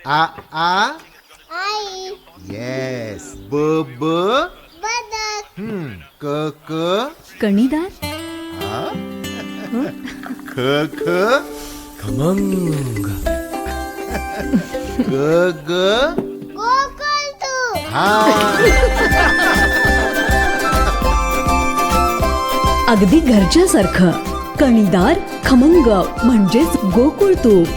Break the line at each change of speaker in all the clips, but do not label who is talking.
आ आ
आई.
Yes. ब ब
बदक.
क क
कणीदार.
ख ख
खमंग.
ग ग
गोकुळ तू.
हा.
अगदी घरच्यासारखं. कणीदार खमंग म्हणजेच गोकुळ तूप.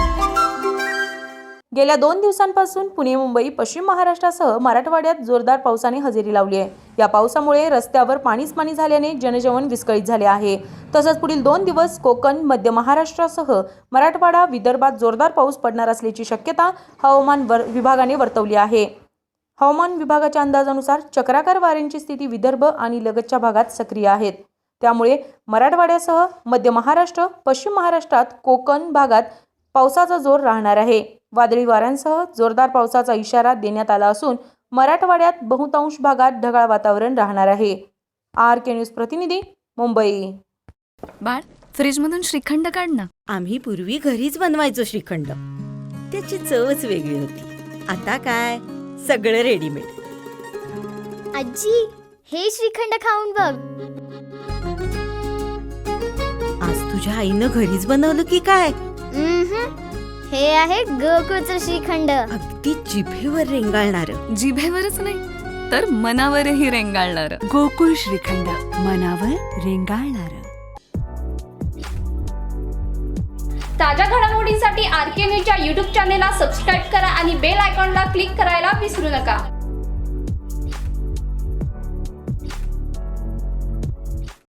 गेल्या 2 दिवसांपासून पुणे, मुंबई, पश्चिम महाराष्ट्रासह मराठवाड्यात जोरदार पावसाने हजेरी लावली आहे. या पावसामुळे रस्त्यावर पाणीच पाणी झाल्याने जनजीवन विस्कळीत झाले आहे. तसंच पुढील 2 दिवस कोकण, मध्य महाराष्ट्रासह मराठवाडा, विदर्भात जोरदार पाऊस पडणार असल्याची शक्यता हवामान विभागाने वर्तवली आहे. हवामान विभागाच्या अंदाजानुसार चक्राकार वाऱ्यांची स्थिती विदर्भ आणि लगतच्या भागात सक्रिय आहेत. त्यामुळे मराठवाड्यासह मध्य महाराष्ट्र, पश्चिम महाराष्ट्रात, कोकण भागात पावसाचा जोर राहणार आहे. वादळी वाऱ्यांसह जोरदार पावसाचा इशारा देण्यात आला असून मराठवाड्यात बहुतांश भागात ढगाळ वातावरण राहणार आहे. RK न्यूज प्रतिनिधी, मुंबई.
बाळ, फ्रीजमधून श्रीखंड काढ ना.
आम्ही पूर्वी घरीच बनवायचो श्रीखंड. त्याची चवच वेगळी होती. आता काय सगळं रेडीमेड.
आजी, हे श्रीखंड खाऊन बघ.
आज तुझ्या आईनं घरीच बनवलं की काय?
हे आहे गोकुळचं श्रीखंड.
अगदी जिभेवर रेंगाळणार.
जिभेवरच नाही तर मनावरही रेंगाळणार.
गोकुळ श्रीखंड, मनावर रेंगाळणार.
ताज्या घडामोडींसाठी RK न्यूजच्या YouTube चॅनेलला सबस्क्राईब करा आणि बेल आयकॉनला क्लिक करायला विसरू नका.